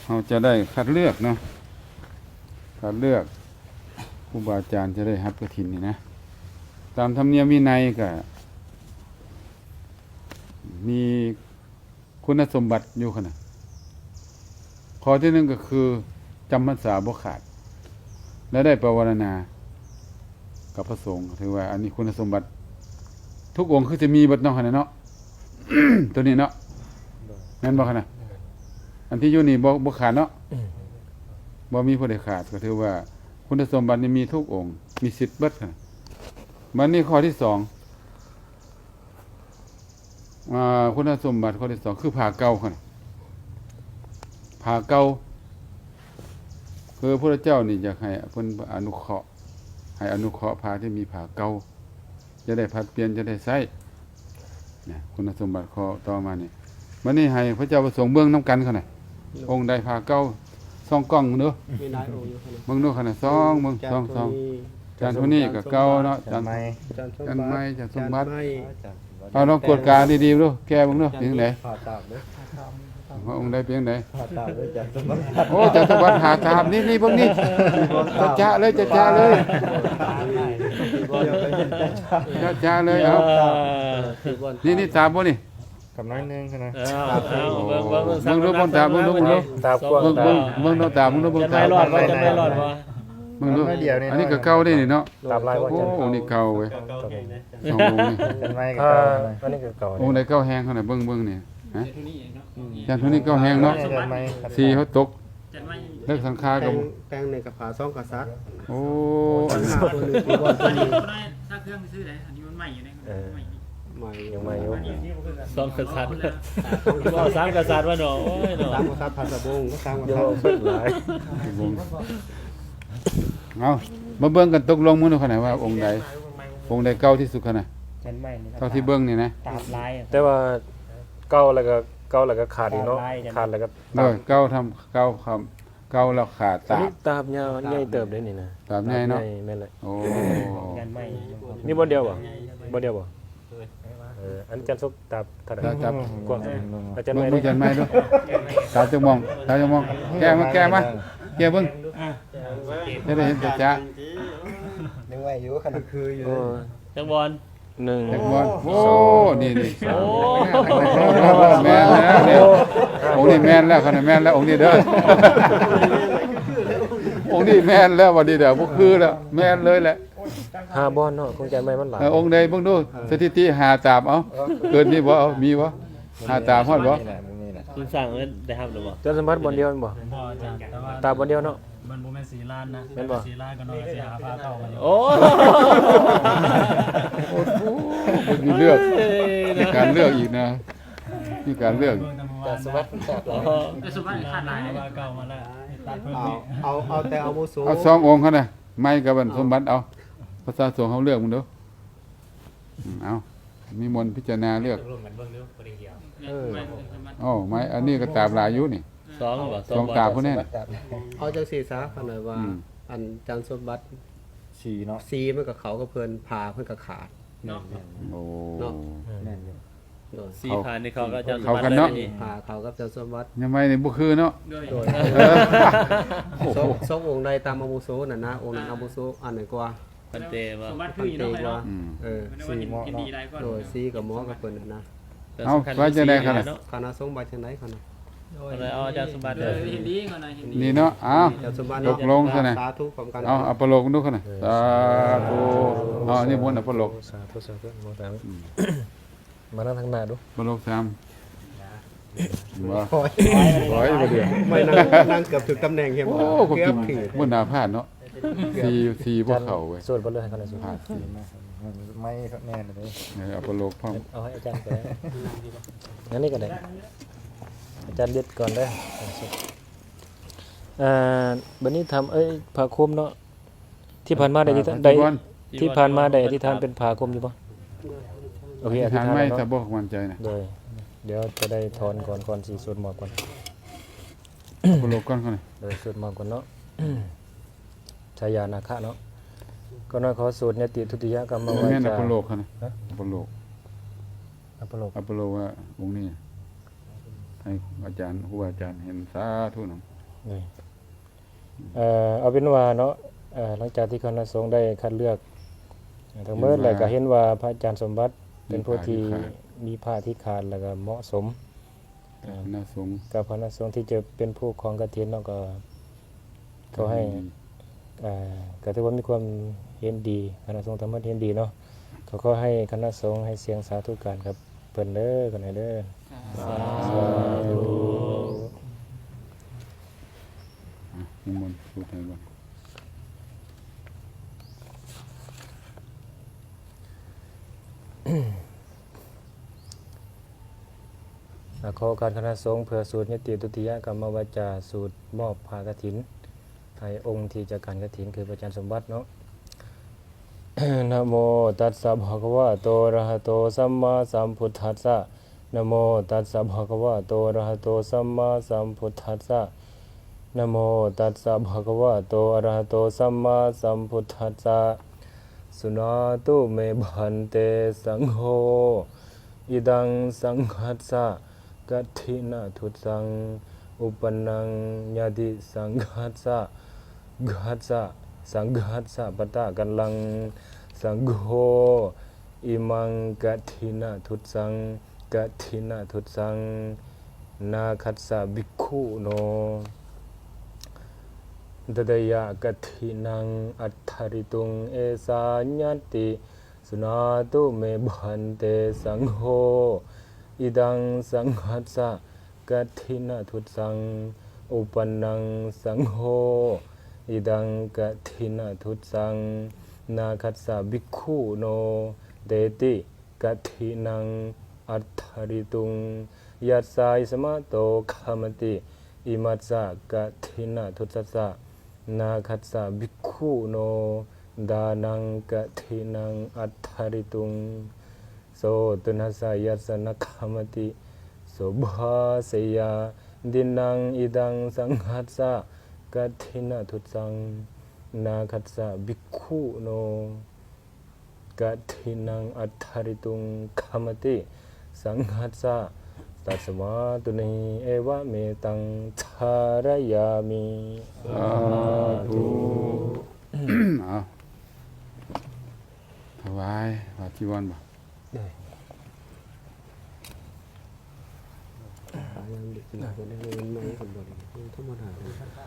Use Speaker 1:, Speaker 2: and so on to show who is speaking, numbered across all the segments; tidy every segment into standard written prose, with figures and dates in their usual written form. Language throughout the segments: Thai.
Speaker 1: เราจะได้คัดเลือกเนาะคัดเลือกครูบาอาจารย์จะได้รับกฐินนี่นะตามธรรมเนียมวินัยก็มีคุณสมบัติอยู่ขนาดข้อที่หนึ่งก็คือจำพรรษาบ่ขาดและได้ภาวนากับพระสงฆ์ถือว่าอันนี้คุณสมบัติทุกองค์คือจะมีบัดเนาะขนาดเนาะ ตัวนี้เนาะนั่นบ่ขนาดอันที่อยู่นี่บ่ขาดเนาะบ่มีผู้ใดขาดก็ถือว่าคุณสมบัตินี่มีทุกองค์มีสิทธิ์เบิดขนาดมันนี่ข้อที่สองคุณสมบัติข้อที่สองคือผ่าเก่าขนาดผ่าเก่าคือพระเจ้านี่อยากให้เพิ่นอนุเคราะห์ให้อนุเคราะห์ผ้าที่มีผ้าเก่าจะได้ผัดเปลี่ยนจะได้ใช้เนี่ยคุณสมบัติข้อต่อมานี่มันนี่ให้พระเจ้าประสงค์เบื้องน้ำกันเขาหน่อยองค์ใดผ้าเก่าซ่องกล้องเด้อมีหลายองค์อยู่เบิ่งดูขนาดซ่องเบิ่งซ่องจานทุนี้ก็เก่าเนาะจานไม้จานสมบัติเอาลองกดกาดีๆดูแก้เบิ่งดูเป็นจังไดว่าองค์ใดเป็นจังไดโอ้จานสมบัติหาตามนี่พวกนี้จะเลยจะเลยจะเลยเอานี่ตามบ่นี่
Speaker 2: กับน้อยนึงนะ
Speaker 1: มึงรู้บนตามึงรู้
Speaker 2: ตากว้างตา
Speaker 1: มึงรู้ตามึงรู้บนตา
Speaker 3: จะไม่รอดวะ
Speaker 1: มึงรู้อันนี้ก็เก่าได้นี่เนาะ
Speaker 2: ตามลายว่าจะ
Speaker 1: โอ้นี่เก่าเว้ยสององค์นี่
Speaker 2: เป็นไม้กับอันนี้ก็เก่า
Speaker 1: องค์ใดเก่าแห้งขนาดเบิ่งนี่ฮะจานทุนี้เก่าแห้งเนาะสีเขาตกเลิกสังขารกับ
Speaker 4: แปลงในกระผาซ่องกระซัด
Speaker 1: โอ้
Speaker 4: อันนี้ตัวนึงตัวตัวนี้
Speaker 3: ถ้าเครื่องซื้อไหนอันนี้มันใหม่อยู่ในใหม่
Speaker 2: ยังใหม่อยู่
Speaker 3: สองกษัตริย์สามกษัตริย์ว่าหนอโอ้ยหนอ
Speaker 4: สามกษัตริย์พันสะบงก็สามกษัตริย์
Speaker 2: หลาย
Speaker 1: เอามาเบิ่งกันตกลงมื้อนี้ขนาดว่าองค์ใดเก่าที่สุดขนาดเท่าที่เบิ่งนี่นะ
Speaker 2: แต่ว่าเก่าแล้วก็ขาดอีกเนาะขาดแล้วก็
Speaker 1: เก่าทำเก่าคำเก่าแล้วขาด
Speaker 2: ตาบยาวใหญ่เติบได้นี่นะ
Speaker 1: ตาบใหญ่เนาะ
Speaker 2: แม่นเลย
Speaker 1: โอ้
Speaker 2: นี่บ่เดียวบ่อันจันทร์ตาบเท่าใดกว้างอาจารย์
Speaker 1: ไม่ด้วยตาจะมองแก้มาแก้เบิ่งจะได้เห็นจ้า
Speaker 4: ยังไงอยู่ขนาดคืออยู่
Speaker 3: จังบอล
Speaker 2: 1
Speaker 1: จังบอลโอ้นี่โอ้แม่นแล้วเนี่ยองค์นี้แม่นแล้วขนาดแม่นแล้วองค์นี้เด้อองค์นี้แม่นแล้ววันนี้เด้อบ่คือแล้วแม่นเลยแหละ
Speaker 2: 5บอลเนาะคงใจไม่มันหลาย
Speaker 1: องค์ใดเบิ่งดูสถิติ5ตามเอาเกินนี่บ่เอามีบ่5ตามฮอดบ่
Speaker 3: คุณสั่งได้ครับหรือบ่
Speaker 2: เจ้าสมบัติบอลเดียวบ่ตาบอลเดียวเนาะ
Speaker 3: มันบ่แม่น4ล้านนะเป็นบ่4ล้านก็น้อยสิหาพาเข้ามา
Speaker 1: โอ้มีเลือกมีการเลือกอีกนะมีการเลือก
Speaker 2: แต่สมบัติ
Speaker 3: แต่สมบัติขาดหลายเก่ามาแล้วตัดเพิ่มนี่
Speaker 4: เอาแต่เอาโมโส
Speaker 1: เอา2องค์เขาน่ะไม้กับสมบัติเอาภาษาสงฆ์เขาเลือกมึงดูเอามีมนพิจารณาเลือกอ๋อไม้อันนี้ก็ตามลายอยู่นี่2ตาพวกนี้
Speaker 4: เอาจังซี่ซะขนาดว่าอันจันสมบัติ
Speaker 2: 4เนาะ
Speaker 4: 4มันก็เขาก็เพิ่นพาเพิ่นก็ขาด
Speaker 1: โอ้
Speaker 4: แม่นอยู่
Speaker 3: 4ผ่านนี่เขาก็จะ
Speaker 1: เขากันเนาะ
Speaker 4: พาเขากับจันสมบัติ
Speaker 1: ยังไงนี่บ่คือเนาะ
Speaker 4: โดยสององค์ใดตามอาวุโสนั่นนะองค์นั้นอาวุโสอันไหนกว่า
Speaker 3: พันเตว่าสมบัติคืออยู่เนาะ
Speaker 4: 4หมอโดย4กับหมอกับเพิ่นนะ
Speaker 1: เอาไว้จังได๋คั่นน่ะ
Speaker 4: คณะสงฆ์บัดจังได๋คั่นน่ะ
Speaker 3: เอาอาจารย์สมบัติดีก่อนหน่อย
Speaker 1: นี่เนาะอ้าวตกลงซะนะ
Speaker 4: สาธุพร้อมกัน
Speaker 1: เอาอัปโลกดูคั่นน่ะสาธุเอาอันนี้มนต์อัปโลก
Speaker 2: สาธุมองตามมานั่งทางหน้าดู
Speaker 1: อัปโลก3บ่บ่เดือ
Speaker 4: ไม่นั่งเกือบถึงตำแหน่งเห็นบ่
Speaker 1: เกือบผิดบ่น่าพลาดเนาะ4บ่เข้าเว้ย
Speaker 2: สวดบ่เลยให้เขาได้สวดไม่แน่เลย
Speaker 1: อัปโลกพร้อม
Speaker 2: เอาให้อาจารย์ไปงั้นนี่ก็ได้อาจารย์เด็ดก่อนได้บัดนี้ทำผ้าคลุมเนาะที่ผ่านมาได้ที่ผ่านมาได้ที่ทานเป็นผ้าคลุมอยู่บ่โอเคอธิษฐาน
Speaker 1: ไม่ถ้าบ่มั่นใจนะ
Speaker 2: เดี๋ยวจะได้ถอนก่อนสิสวดหมอกก่อน
Speaker 1: อัปโลกก่อนน่ะ
Speaker 2: เดี๋ยวสวดหมอกก่อนเนาะชายานาคะเนาะก็น้อยขอสูตรเนี่ยติทุติยกรรมวาจา
Speaker 1: อัปโลกนะอัปโลกว่าองค์นี้ให้อาจารย์ครูอาจารย์เห็นสาธุน
Speaker 2: เลยเอาเป็นว่าเนาะหลังจากที่คณะสงฆ์ได้คัดเลือกทั้งหมดแล้วก็เห็นว่าพระอาจารย์สมบัติเป็นผู้ที่มีผ้าที่ขาดแล้วก็เหมาะสม
Speaker 1: คณะสงฆ์
Speaker 2: กับคณะสงฆ์ที่จะเป็นผู้ครองกฐินเนาะก็เขาให้ก็ถือว่ามีความเห็นดีคณะสงฆ์ทั้งหมดเห็นดีเนาะเขาก็ให้คณะสงฆ์ให้เสียงสาธุการครับเพิ่นเด้อกันให้เด้อสาธุ
Speaker 1: นิมนต์พูดให้ก่อน
Speaker 2: ขอการคณะสงฆ์เพื่อสูตรยติตุติยกรรมวาจาสูตรมอบผ้ากฐินให้องค์ที่จะการกฐินคือพระอาจารย์สมบัติเนาะ นะโมตัสสะภะคะวะโตอะระหะโตสัมมาสัมพุทธัสสะนะโมตัสสะภะคะวะโตอะระหะโตสัมมาสัมพุทธัสสะนะโมตัสสะภะคะวะโตอะระหะโตสัมมาสัมพุทธัสสะสุนาตุเมบันเตสังโฆอิดังสังฆัสสะกัตถินาทุสังอุปนังญาติสังฆัสสะกัสสะสังฆัสสะปะตะกัลลังสังโฆอิมังกัตถินาทุสังกัตถินาทุสังนาคัสสะภิกขุโนตตยะกัตถินังอัตถริตุงเอสาญญติสุนาตุเมบันเตสังโฆอิดังสังฆัสสะกัตถินาทุสังอุปนังสังโฆอิดังกัตถินาทุสังนาคัสสะภิกขุโนเดติกัตถินังอัตถริตุงยัสสายสมะโตขามติอิมัสสะกัตถินาทุสัสสะนาคัสสะภิกขุโนดานังกัตถินังอัตถริตุงโสตุนัสสะยัสสะนะขามติโสภาเสยาดินังอิดังสังหัสสะกัตถินาทุสังนาคัสสะภิกขุโนกัตถินังอัตถริตุงขามติสังหัสสะตัสมาตุเนเอวะเมตังทารยามิ
Speaker 1: สาธุเอาถวายพระจีวรบ่
Speaker 4: ยังเด็กหนักกว่านี้ไม่คนบ่ธรรมดาเลย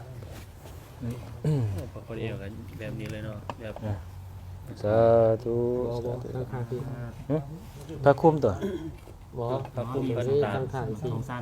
Speaker 3: พอคนเอวกันแบบนี้เลยเนาะแบบ
Speaker 2: สาธุ
Speaker 4: บ่ตั้งค่าที่
Speaker 2: พระคุ้มตัว
Speaker 4: บ่
Speaker 3: พระคุ้ม
Speaker 4: นี่
Speaker 3: พระ
Speaker 4: ตั้งค่าสิ
Speaker 3: สั้น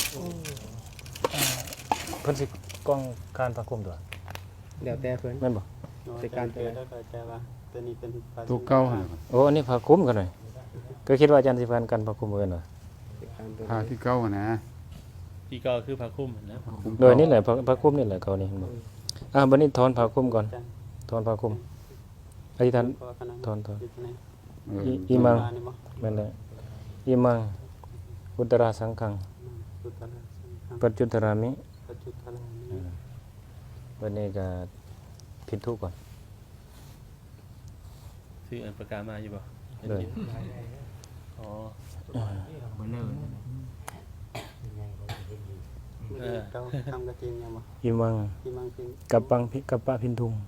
Speaker 2: เพิ่นสิกล้องการพระคุ้มตัว
Speaker 4: แล้วแต่เพิ่น
Speaker 2: แม่นบ่
Speaker 4: แต่การแต่ว่าตัวนี้เป็น
Speaker 1: ตัวเก่าหั่นน่ะ
Speaker 2: โอ้อันนี้พระคุ้มกันหน่อยก็คิดว่าอาจารย์สิพันกันพระคุ้มเอิ้นว่า
Speaker 1: ผ้าที่เก่าหั่นนะ
Speaker 3: ที่ก็คือพระคุ้มนะ
Speaker 1: คุ้ม
Speaker 2: โดยนี่แหละพระคุ้มนี่แหละเขานี่เห็นบ่บัดนี้ถอนพระคุ้มก่อนถอนพระคุ้มอธิษฐานถอน
Speaker 1: เออ
Speaker 2: อิมังแม่นแหละอิมังอุตราสังฆังปัจจุตรามิวันนี้ก็พินทุก่อน
Speaker 3: ซื้ออันประกาศมาอยู่บ่
Speaker 2: เลย
Speaker 3: อ๋อ
Speaker 5: เบลอ
Speaker 4: เราทำกระเทียมยังบ่
Speaker 2: อิมัง
Speaker 4: ที่มันเป็น
Speaker 2: กับปังกับปะพินทุง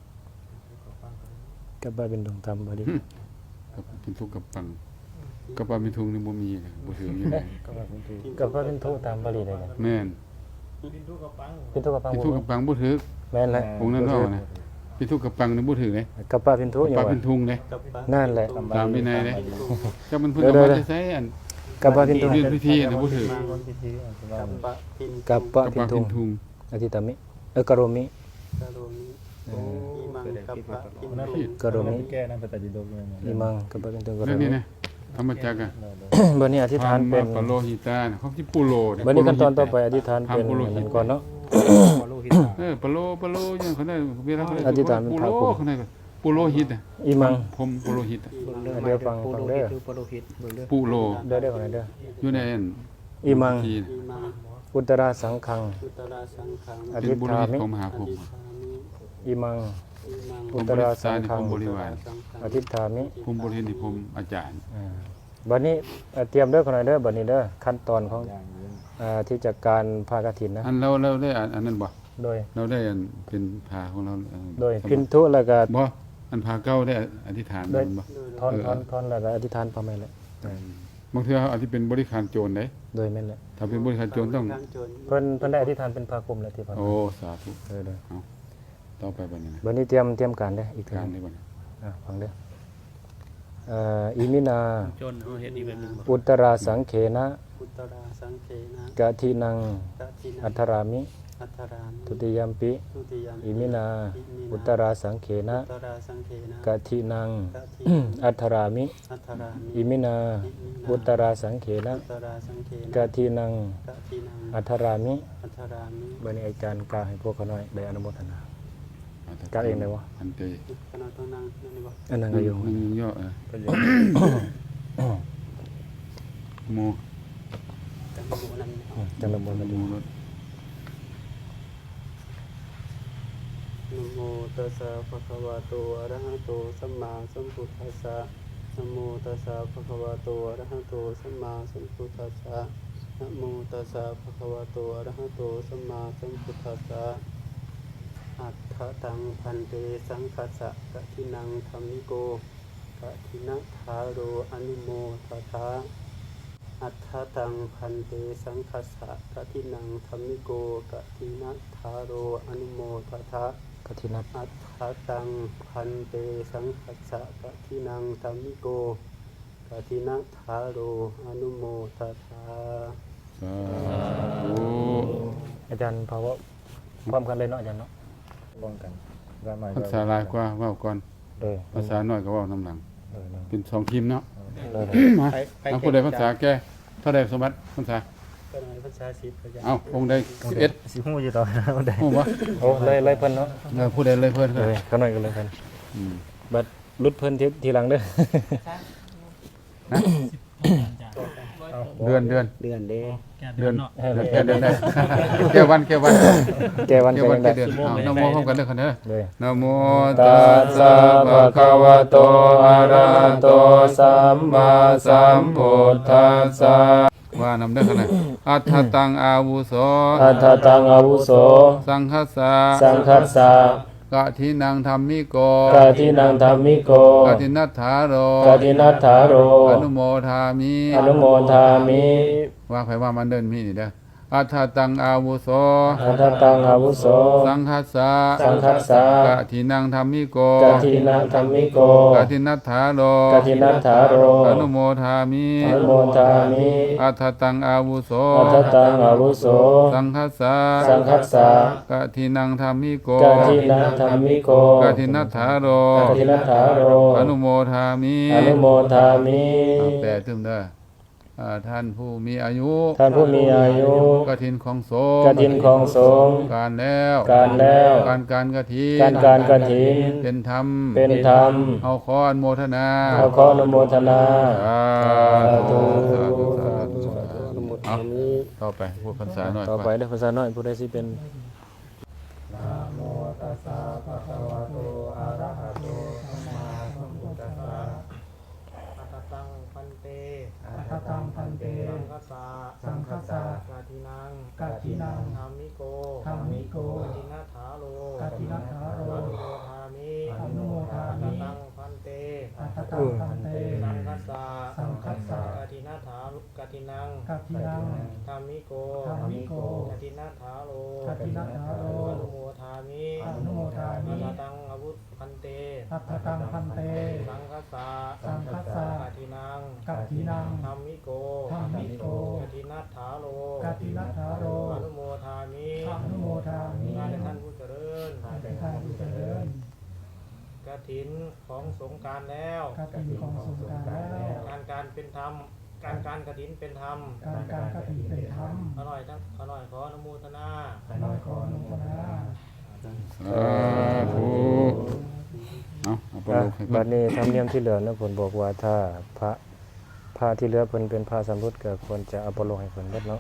Speaker 2: กับปะพินทุงทำบ่ดี
Speaker 1: กับเป็นทุกข์กับปังกับปลามีทุงนี่บ่มีนะบ่ถืออยู่ไหน
Speaker 2: กับปะพินทุตามบาลีได้
Speaker 1: แม่น
Speaker 2: พินทุกับปัง
Speaker 1: เป็นทุกข์กับปังบ่ถือ
Speaker 2: แม่นแหละ
Speaker 1: องค์นั้นว่านะเป็นทุกข์กับปังนี่บ่ถือเลย
Speaker 2: กับปะพินทุอ
Speaker 1: ป
Speaker 2: ยู่
Speaker 1: ลา
Speaker 2: ว่า
Speaker 1: เป็นทุงเด้
Speaker 4: กับปลา
Speaker 2: นั่นแหละ
Speaker 1: ตามวินัยเด้จักมันเพิ่นเอามาใช้อัน
Speaker 2: กับปะพินทุ
Speaker 1: เรียนพิธีนะบ่ถือ
Speaker 4: กับปลาพิน
Speaker 2: กับปะ
Speaker 1: กับ
Speaker 2: พิ
Speaker 1: ปลาน
Speaker 2: ทุ
Speaker 1: เป็
Speaker 2: ง
Speaker 1: นทุง
Speaker 2: อธิตามิกโรมิ
Speaker 4: กระโดดนี้ที่มันกับปลาพิน
Speaker 2: กโรมิ
Speaker 5: แก้นั่นเป็นตัดดิโดกเลย
Speaker 2: อิมังกับปะพินทุงกโร
Speaker 1: แล้ว
Speaker 2: มิ
Speaker 1: นี่นะธรรมจักรอ่ะ
Speaker 2: บัดนี้อธิษฐานเป็น
Speaker 1: ปะโลหิตานะเขาสิปุโลเย
Speaker 2: บัดนี้ขั้นตอนต่อไปอธิษฐานเป็น
Speaker 1: ทำปุโรหิต
Speaker 2: นั่นก่อนเนาะ
Speaker 1: ปะโลอย่างเขาได้เวลาเขาได้
Speaker 2: อธิษฐานเป็น
Speaker 1: ปุ
Speaker 2: พระ
Speaker 1: โล
Speaker 2: ครู
Speaker 1: เขาได้ปุโลหิตอ่ะ
Speaker 2: อิมัง
Speaker 1: ผมปุโลหิตอะ
Speaker 2: เดี๋ยวฟังเด้อ
Speaker 4: คือปโลหิตเบิ่งเด้อ
Speaker 1: ปุโล
Speaker 2: เด้อก่อนเด้อ
Speaker 1: อยู่ในอัน
Speaker 2: อิมัง
Speaker 1: ที่
Speaker 4: ที่มัน
Speaker 2: อุตราสังฆัง
Speaker 4: อุตราสังขัง
Speaker 2: อ
Speaker 1: เป็
Speaker 2: ธิ
Speaker 1: น
Speaker 2: ษ
Speaker 1: บุโร
Speaker 2: ฐา
Speaker 1: หิต
Speaker 2: มิ
Speaker 1: ของมหาภพ
Speaker 2: อิมัง
Speaker 4: มัง
Speaker 2: อุตราสังฆัง
Speaker 1: ผมบริวาร
Speaker 2: อธิษฐามิ
Speaker 1: ผมบ่เห็นที่ผมอาจารย์
Speaker 2: บัดนี้เตรียมเด้อคนไหนเด้อบัดนี้เด้อขั้นตอนของที่จัดการผ้ากฐินนะ
Speaker 1: อันเราได้อันนั้นบ่
Speaker 2: โดย
Speaker 1: เราได้อันเป็นผ้าของเรา
Speaker 2: โดยพินทุแล้วก็
Speaker 1: บ่อันผ้าเก่าได้อธิษฐานมันบ่
Speaker 2: ทอนแล้วก็อธิษฐานพระแม่นแหละ
Speaker 1: บางเทื่ออันที่เป็นบริการโจรได้
Speaker 2: โดยแม่นแหละ
Speaker 1: ถ้าเป็นบริการโจรต้อง
Speaker 4: การโจร
Speaker 2: เพิ่นได้อธิษฐานเป็นผ้าคลุมแล้วที่พระ
Speaker 1: โอ้สาธุ
Speaker 2: เด้อ
Speaker 1: ต่อไปบัดนี้นะ
Speaker 2: บัดนี้เตรียมการเด้ออีกเทื่อ
Speaker 1: การ
Speaker 2: หนึ่ง
Speaker 1: ได้บ่เนี่ย
Speaker 2: ฟังเด้ออิมินา
Speaker 3: จนเอาเฮ็ดอีกแบบหนึงบ่
Speaker 2: อุตราสังเขนะ
Speaker 4: พุทธราสังเขนะ
Speaker 2: กะทินัง
Speaker 4: กะทินั
Speaker 2: อั
Speaker 4: ง
Speaker 2: ทรามิ
Speaker 4: อัทราม
Speaker 2: ทุติยมปิ
Speaker 4: ทุติยม
Speaker 2: อิมินา อุตราสังเขนะ
Speaker 4: อุตราสังเขนะ
Speaker 2: กะทินัง
Speaker 4: กะทิ
Speaker 2: อัทรามิ
Speaker 4: อัทรามิ
Speaker 2: อิมินา อุตราสังเขนะ
Speaker 4: อุตราสังเขนะ
Speaker 2: กะทินัง
Speaker 4: กะทินัง
Speaker 2: อัทรามิ
Speaker 4: อัทรามิ
Speaker 2: บัดนี้อาจารย์กล่าวให้พวกเขาหน่อยได้อนุโมทนา กล่าวเองได้บ่
Speaker 1: อันเต
Speaker 4: ขณะต้องนั่งนั่นนี่บ่
Speaker 2: อันนั้นก็อยู่
Speaker 1: นึงย่อโม
Speaker 4: แต่บ่รู้นั่นเอา
Speaker 2: จังละมนต์มา
Speaker 1: โม
Speaker 2: ดู
Speaker 1: รถ
Speaker 4: นะโมตัสสะภะคะวะโตอะระหะโตสัมมาสัมพุทธัสสะนะโมตัสสะภะคะวะโตอะระหะโตสัมมาสัมพุทธัสสะนะโมตัสสะภะคะวะโตอะระหะโตสัมมาสัมพุทธัสสะอัตถตังพันเตสังคัสสะกะทินังธัมมิโกกะทินะทาโรอนุโมทถาอัตถตังพันเตสังคัสสะกะทินังธัมมิโกกะทินะทาโรอนุโมทถา
Speaker 2: กะทินับ
Speaker 4: อัตถตังพันเตสังคัสสะกะทินังธัมมิโกกะทินะทาโรอนุโมทถา
Speaker 1: สาธุ
Speaker 2: อาจารย์ภาวะพร้อมกันเลยเนาะอาจารย์เนาะพร้อมกันว่าใหม่
Speaker 1: ภาษาหลายกว่าเว้าก่อน
Speaker 2: เลย
Speaker 1: ภาษาน้อยก็เว้านํหลัง
Speaker 2: เลย
Speaker 1: เป็น2ทีมเนาะ
Speaker 2: เลย
Speaker 1: มาเอาผู้ใดภาษาแก่เท่าใดสมบัติภาษา
Speaker 4: ก็ในภาษาสิบก็จะ
Speaker 1: เอาองค์ใด11
Speaker 2: สิฮู้อยู่ต่อได้
Speaker 1: ฮู้บ่
Speaker 2: โอ้เลยเพิ่นเนาะ
Speaker 1: ผู้ใดเลยเพิ่น
Speaker 2: เลยเขาหน่อยก็เลยเพิ่น
Speaker 1: อืม
Speaker 2: บัดรุดเพิ่นทีหลังเด้อ
Speaker 1: เดือน
Speaker 4: เดือนเด้
Speaker 1: เดือนแค่เดือนได้แค่วัน
Speaker 2: แกวัน
Speaker 1: แค่
Speaker 2: ก็
Speaker 1: วัน
Speaker 2: ยังได้
Speaker 1: แค่เดือนเอานะโมพร้อมกันเด้อคั่นเด้อ
Speaker 2: เลย
Speaker 1: นะโม
Speaker 2: ตัสสะภะคะวะโตอะระหะโตสัมมาสัมพุทธัสสะ
Speaker 1: ว่านำเด้อคั่นน่ะอัฏฐตังอาวุโส
Speaker 2: อัตถตังอาวุโส
Speaker 1: สังคัสสะ
Speaker 2: สังคัสสะ
Speaker 1: กะทินังธัมมิโก
Speaker 2: กะทินังธัมมิโก
Speaker 1: กะทินัทธาโร
Speaker 2: กะทินัทธาโร
Speaker 1: อนุโมทามิ
Speaker 2: อนุโมทามิ
Speaker 1: ว่าไผว่ามันเดินมีนี่เด้ออัฏฐตังอาวุโส
Speaker 2: อัตถตังอาวุโส
Speaker 1: สังคัสสะ
Speaker 2: สังคัสสะ
Speaker 1: กะทินังธัมมิโก
Speaker 2: กะทินังธัมมิโก
Speaker 1: กะทินัทธาโร
Speaker 2: กะทินัทธาโร
Speaker 1: อนุโมทามิ
Speaker 2: อนุโมทามิ
Speaker 1: อัฏฐตังอาวุโส
Speaker 2: อัตถตังอาวุโส
Speaker 1: สังคัสสะ
Speaker 2: สังคัสสะ
Speaker 1: กะทินังธัมมิโก
Speaker 2: กะทินังธัมมิโก
Speaker 1: กะทินัทธาโร
Speaker 2: กะทินัทธาโร
Speaker 1: อนุโมทามิ
Speaker 2: อนุโมทามิ
Speaker 1: แต่ถึงเด้อท่านผู้มีอายุ
Speaker 2: ท่านผู้มีอายุ
Speaker 1: กฐินของสงฆ์
Speaker 2: กฐินของสงฆ์
Speaker 1: การแล้ว
Speaker 2: การแล้ว
Speaker 1: การกฐิน
Speaker 2: การกฐิน
Speaker 1: เป็นธรรม
Speaker 2: เป็นธรรม
Speaker 1: เอาขออนุโมทนา
Speaker 2: ขออนุโมทนา
Speaker 1: สาธุสาธุสาธุสาธุ
Speaker 4: อนุโมท
Speaker 1: เอา
Speaker 4: นามิ
Speaker 1: ต่อไปพูดภาษาหน่อย
Speaker 2: ต่อไปเด้อภาษาน้อยผู้ใดสิเป็น
Speaker 6: ตังพันเตสังคัสสะกาทินังธรรมิโกกาทินัทธาโลอนุโมทามิอัตตังพันเตสังคัสสะกาทินัทธากาทินังธรรมิโกกาทินัทธาโลอนุโมทามิอัตตังอาวุธพันเตสังคัสสะกาทินังธรรมิโกกาทินัทธาโลอนุโมทามิงานในท่านผู้เจริญกฐินของสงฆ์การแล้วการเป็นธรรมการกฐินเป็นธรรมอร่อยขออนุโมทนา
Speaker 1: สาธุเอาไปลูกให้เพิ่
Speaker 2: บั
Speaker 1: น
Speaker 2: ดนี้ธรรมเนียมที่เหลือนะผลบอกว่าถ้าผ้าที่เหลือเพิ่นเป็นผ้าสำรุดก็ควรจะเอาไปลงให้เพิ่นเบิดเนาะ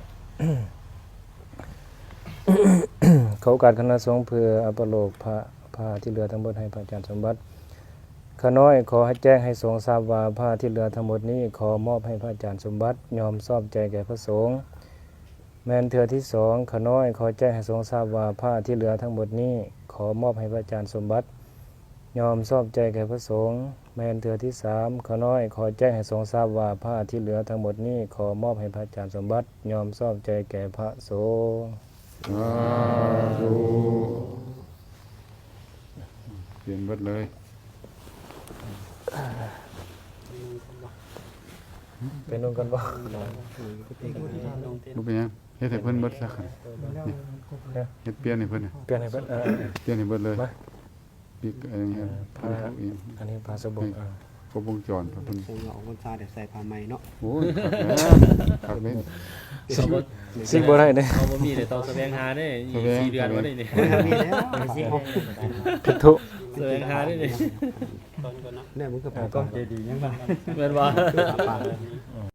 Speaker 2: เขาการคณะสงฆ์เพื่อเอาไปลงผ้าที่เหลือทั้งหมดให้พระอาจารย์สมบัติข้าน้อยขอให้แจ้งให้สงฆ์ทราบว่าผ้าที่เหลือทั้งหมดนี้ขอมอบให้พระอาจารย์สมบัติยอมชอบใจแก่พระสงฆ์แม้นเทื่อที่สองขาน้อยขอแจ้งให้ทรงทราบว่าผ้าที่เหลือทั้งหมดนี้ขอมอบให้พระอาจารย์สมบัติยอมชอบใจแก่พระสงฆ์แม้นเทื่อที่สามขาน้อยขอแจ้งให้ทรงทราบว่าผ้าที่เหลือทั้งหมดนี้ขอมอบให้พระอาจารย์สมบัติยอมชอบใจแก่พระสงฆ์
Speaker 1: สาธุเปลี่ยนเบิดเลย
Speaker 2: เป็นนู่นกันบ่
Speaker 1: บ่เป็นหยังเฮ็ดให้เพิ่นเบิดซะคั่น
Speaker 6: แล้วมันครบเลย
Speaker 1: เฮ็ดเปลี่ยนให้เพิ่นน่ะ
Speaker 2: เปลี่ยนให้เพิ่น
Speaker 1: เปลี่ยนให้เบิดเลย
Speaker 2: มา
Speaker 1: ปีกอะไรเงี้ยเพิ่นเอาเอง
Speaker 2: อันนี้พาสบง
Speaker 1: ครบวงจรเพิ่น
Speaker 4: คงเอาคนซาเดี๋ยวใส่ผ้าไหมเนาะ
Speaker 1: โอ้ยคักแล้ว
Speaker 3: เขาบ่
Speaker 2: สิบ่ได้เด้
Speaker 3: เขาบ่มีเลยต้องแสวงหาได้อีก4เดือนว่าได้นี่
Speaker 4: มีแล้ว
Speaker 2: ผิดทุ
Speaker 3: แสวงหาได้นี่
Speaker 4: ตอนก่อนนะเนี่ยมึงก็ไปก็เจดียังไง
Speaker 3: แม่นบ่
Speaker 4: ปาก